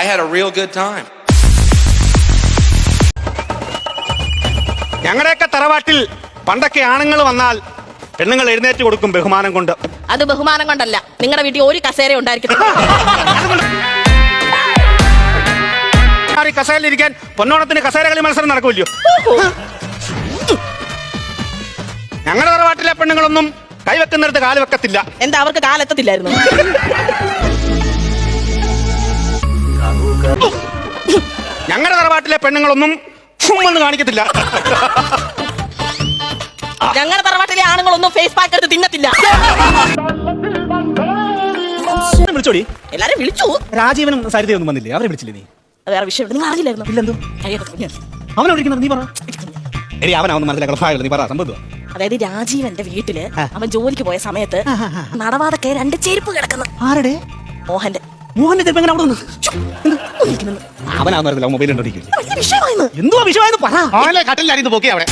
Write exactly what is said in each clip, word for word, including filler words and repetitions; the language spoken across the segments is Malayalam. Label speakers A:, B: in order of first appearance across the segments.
A: had a real good time.
B: ഞങ്ങളുടെയൊക്കെ തറവാട്ടിൽ പണ്ടൊക്കെ ആണുങ്ങൾ വന്നാൽ പെണ്ണുങ്ങൾ എഴുന്നേറ്റ് കൊടുക്കും ബഹുമാനം കൊണ്ട്.
C: അത് ബഹുമാനം കൊണ്ടല്ല, നിങ്ങളുടെ വീട്ടിൽ ഒരു കസേര ഉണ്ടായിരിക്കും.
B: കസേരയിലിരിക്കാൻ പൊന്നോണത്തിന് കസേര കളി മത്സരം നടക്കുമല്ലോ. ഞങ്ങളുടെ തറവാട്ടിലെ പെണ്ണുങ്ങളൊന്നും കൈവെക്കുന്നിടത്ത് കാല് വെക്കത്തില്ല.
C: എന്താ അവർക്ക് കാലെത്തത്തില്ലായിരുന്നു?
B: ഞങ്ങളുടെ തറവാട്ടിലെ പെണ്ണുങ്ങളൊന്നും ചുമ്മെന്ന് കാണിക്കത്തില്ല.
C: ഞങ്ങളുടെ തറവാട്ടിലെ ആണുങ്ങളൊന്നും ഫേസ് പാക്ക് എടുത്ത് തിന്നത്തില്ല.
B: വിളിച്ചോടി,
C: എല്ലാരും വിളിച്ചു.
B: രാജീവനും സരിതയൊന്നും വന്നില്ലേ? അവരെ വിളിച്ചില്ലേ നീ?
C: വേറെ വിഷയം നിങ്ങൾ അറിയില്ലായിരുന്നു?
B: ഇല്ലെന്തോ. അവനെ വിളിക്കുന്നത് നീ പറ. എടി അവനാവുന്ന മനസ്സിലാക്കണം. നീ പറ സംഭവം.
C: അതായത് രാജീവന്റെ വീട്ടില് അവൻ ജോലിക്ക് പോയ സമയത്ത് നടവാതൊക്കെ രണ്ട് ചെരുപ്പ് കിടക്കുന്നു.
B: ആരുടെ?
C: മോഹന്റെ.
B: മോഹന്റെ ചെരുപ്പ് എങ്ങനെ അവിടെ വന്നു? അവനാവുന്ന മൊബൈൽ ഉണ്ടോടിക്കില്ല. എന്തുവാ വിഷയമായെന്ന് പറ. അവനെ കട്ടിലായിരുന്നു പൊക്കി അവിടെ.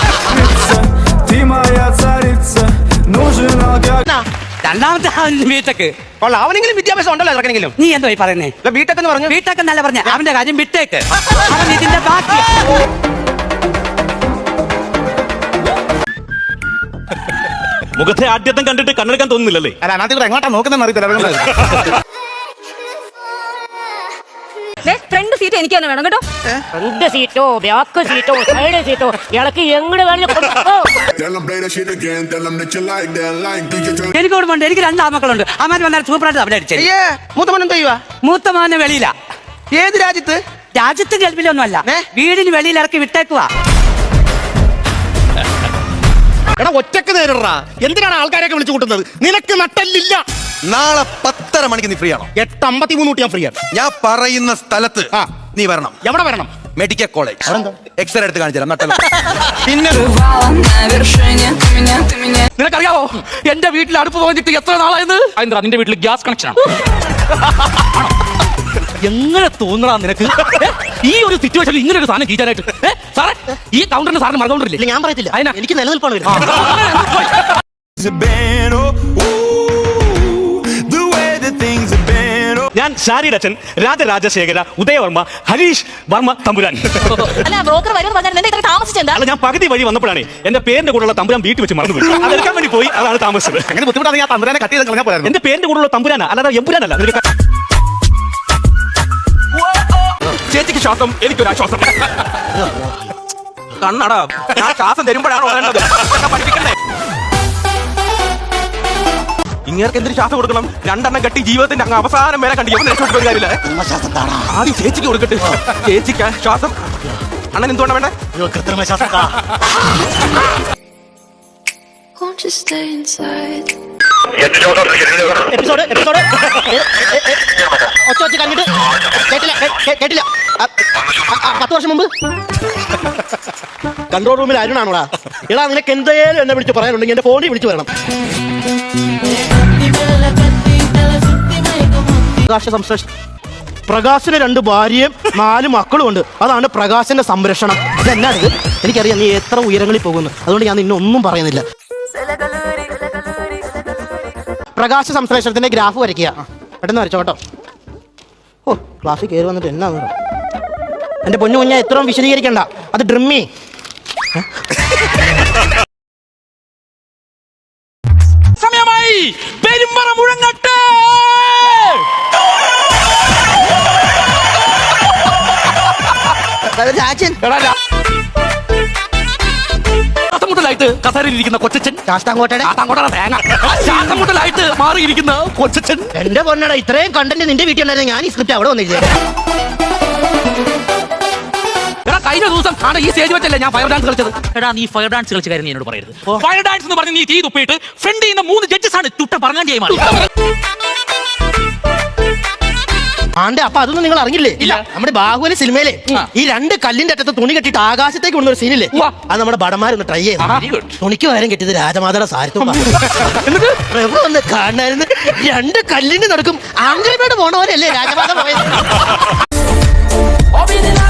D: രണ്ടാമത്തെ വീട്ടക്ക്
B: അവനെങ്കിലും വിദ്യാഭ്യാസം ഉണ്ടല്ലോ ഇറക്കെങ്കിലും.
D: നീ എന്തോ പറയുന്നേ?
B: വീട്ടൊക്കെ പറഞ്ഞു.
D: വീട്ടൊക്കെ നല്ല പറഞ്ഞ അവന്റെ കാര്യം വിട്ടേക്ക്. അവൻ ഇതിന്റെ ബാക്കി.
B: മുഖത്തെ ആദ്യത്തെ കണ്ടിട്ട് കണ്ണെടുക്കാൻ തോന്നുന്നില്ലല്ലേ? അല്ല അതികൂടെ എങ്ങോട്ടാ നോക്കുന്ന അറിയത്തില്ല.
E: ഫ്രണ്ട് സീറ്റ് എനിക്ക് തന്നെ വേണം കേട്ടോ. ഫ്രണ്ട് സീറ്റോ ബാക്ക് സീറ്റോ സൈഡ് സീറ്റോ ഇളക്കി എങ്ങനെ
D: എനിക്ക് ഓർമ്മയുണ്ട്, എനിക്ക് രണ്ട് ആമക്കളുണ്ട്. അമ്മാര് വന്നാൽ സൂപ്പറായിട്ട് അവിടെ അടിച്ചേ.
B: മൂത്തമോൻ എന്താ ചെയ്യുവാ?
D: മൂത്തമാനെ വെളിയില.
B: ഏത് രാജ്യത്ത്?
D: രാജ്യത്ത് ഗൾഫിലൊന്നും അല്ല, വീടിന് വെളിയിൽ ഇറക്കി വിട്ടേക്കുവാ.
B: എടാ ഒറ്റക്ക് നേരിടാ. എന്തിനാണ് ആൾക്കാരെയൊക്കെ വിളിച്ചു കൂട്ടുന്നത്? നിനക്ക് നട്ടല്ലില്ല.
F: നാളെ പത്തര മണിക്ക് നീ ഫ്രീ ആണോ?
B: എട്ട് അമ്പത്തി മൂന്ന് തൊട്ട് ഞാൻ ഫ്രീ ആണ്.
F: ഞാൻ പറയുന്ന സ്ഥലത്ത് നീ വരണം.
B: എവിടെ വരണം?
F: Medical college. എക്സ്റേ എടുത്ത് കാണിച്ചു തരാം. നട്ടല്ല.
B: പിന്നെ
D: നിനക്കറിയാവോ എന്റെ വീട്ടിൽ അടുപ്പ് പോയിട്ട് എത്ര നാളായത്? എന്താ നിന്റെ വീട്ടിൽ ഗ്യാസ് കണക്ഷൻ? എങ്ങനെ തോന്നണ നിനക്ക് ഈ ഒരു സിറ്റുവേഷനിൽ ഇങ്ങനെ ഒരു സാധനം കീറ്റാനായിട്ട്? സാറേ, ഈ കൗണ്ടറിന്റെ സാറിന് മറന്നുകൊണ്ടില്ല.
B: ഞാൻ പറയത്തില്ല, എനിക്ക് നിലനിൽപ്പാണ്. ഞാൻ ഷാരിയുടെ അച്ഛൻ രാജരാജശേഖര ഉദയവർമ്മ ഹരീഷ് വർമ്മ തമ്പുരാൻ.
C: അല്ല ബ്രോക്കർ വരും പറഞ്ഞാൽ ഇത്ര താമസിച്ചെന്താ?
B: അല്ല, ഞാൻ പകുതി വഴി വന്നപ്പോഴാണ് എന്റെ പേരിന്റെ കൂടെയുള്ള തമ്പുരാൻ വീട്ടിൽ വെച്ച് മറന്നുപോയി. അതെടുക്കാൻ വേണ്ടി പോയി, അതാണ് താമസിച്ചത്. അങ്ങനെ ബുദ്ധിമുട്ടാണ്. ഞാൻ തമ്പുരാനെ കട്ട് ചെയ്ത് കളഞ്ഞാൽ പോരായിരുന്നു. എന്റെ പേരിന്റെ കൂടെയുള്ള തമ്പുരാനാ, അല്ലാതെ എമ്പുരാനല്ല. ചേച്ചിക്ക് ശ്വാസം, എനിക്കൊരു ആശ്വാസം. കണ്ണടാ, ഞാൻ ശ്വാസം തരുമ്പോഴാണോ വേണ്ടത്? പഠിപ്പിക്കണ്ടേ? ഇങ്ങേർക്ക് എന്തൊരു ശ്വാസം കൊടുക്കണം? രണ്ടെണ്ണം കെട്ടി ജീവിതത്തിന്റെ അങ്ങ് അവസാനം വരെ കണ്ടി രക്ഷപ്പെട്ട കാര്യമില്ല. ആദ്യം ചേച്ചിക്ക് കൊടുക്കട്ടെ. ചേച്ചിക്ക് ശ്വാസം. അണ്ണൻ എന്തുകൊണ്ടാ വേണ്ടേ? കൃത്രിമ ശ്വാസം. എപ്പിസോഡ് എപ്പിസോഡ് ഒച്ച വെച്ച് കഴിഞ്ഞിട്ട് കേട്ടില്ല കേട്ടില്ല പത്ത് വർഷം മുമ്പ് കൺട്രോൾ റൂമിൽ അരുണാണോടാ? എടാ നിനക്ക് എന്തേലും എന്നെ വിളിച്ച് പറയാനുണ്ടെങ്കിൽ എന്റെ ഫോണിൽ വിളിച്ചു വരണം. പ്രകാശ സംരക്ഷണം. പ്രകാശിന് രണ്ട് ഭാര്യയും നാല് മക്കളും ഉണ്ട്. അതാണ് പ്രകാശന്റെ സംരക്ഷണം. ഇതെന്നാണിത്? എനിക്കറിയാം നീ എത്ര ഉയരങ്ങളിൽ പോകുന്നു, അതുകൊണ്ട് ഞാൻ നിന്നെ ഒന്നും പറയുന്നില്ല. പ്രകാശ സംശ്ലേഷണത്തിന്റെ ഗ്രാഫ് വരയ്ക്കുക. പെട്ടെന്ന് വരച്ചോ കേട്ടോ. ഓ ക്ലാസ്സിൽ കയറി വന്നിട്ട് എന്നാ എന്റെ പൊന്നു കുഞ്ഞ എത്രയും വിശദീകരിക്കണ്ട, അത് ഡ്രിമ്മി.
D: സമയമായി പെരുമ്പറ മുഴങ്ങട്ടെ. ശ്വാസമുട്ടലായിട്ട് കസേരയിലിരിക്കുന്ന കൊച്ചച്ഛൻ.
B: ശാസ്താംകോട്ടയുടെ
D: ശ്വാസമുട്ടലായിട്ട് മാറിയിരിക്കുന്ന കൊച്ചച്ഛൻ.
B: എന്റെ പൊന്നട, ഇത്രയും കണ്ടന്റ് നിന്റെ വീട്ടിൽ ഉണ്ടായിരുന്നു. ഞാൻ ഈ സ്ക്രിപ്റ്റ് അവിടെ വന്നില്ലേ?
D: കഴിഞ്ഞ ദിവസം ആണ് ഈ സ്റ്റേജ് വെച്ചല്ലേ ഞാൻ ഫയർ ഡാൻസ് കളിച്ചത്. എടാ നീ ഫയർ ഡാൻസ് കളിച്ച കാര്യം എന്നോട് പറയരുത്. ഫയർ ഡാൻസ് എന്ന് പറഞ്ഞ് നീ തീ തുപ്പിയിട്ട് ഫ്രണ്ട് ചെയ്യുന്ന മൂന്ന് ജഡ്ജസ് ആണ് തുട്ട പറഞ്ഞ ചെയ്യുമാണ്.
B: ആണ്ടെ, അപ്പൊ അതൊന്നും നിങ്ങൾ അറിഞ്ഞില്ലേ? ഇല്ല. നമ്മുടെ ബാഹുബലി സിനിമയിലെ ഈ രണ്ട് കല്ലിന്റെ അറ്റത്ത് തുണി കെട്ടിട്ട് ആകാശത്തേക്ക് കൊണ്ടൊരു സീനില്ലേ, അത് നമ്മുടെ ഭടന്മാരൊന്ന് ട്രൈ ചെയ്തു. തുണിക്ക് പകരം കെട്ടിയത് രാജമാതയുടെ സാരിത്വം. ഒന്ന് കാണായിരുന്നു. രണ്ട് കല്ലിന് നടക്കും ആംഗിൾമേട് പോണ പോലെയല്ലേ രാജമാത പോയത്.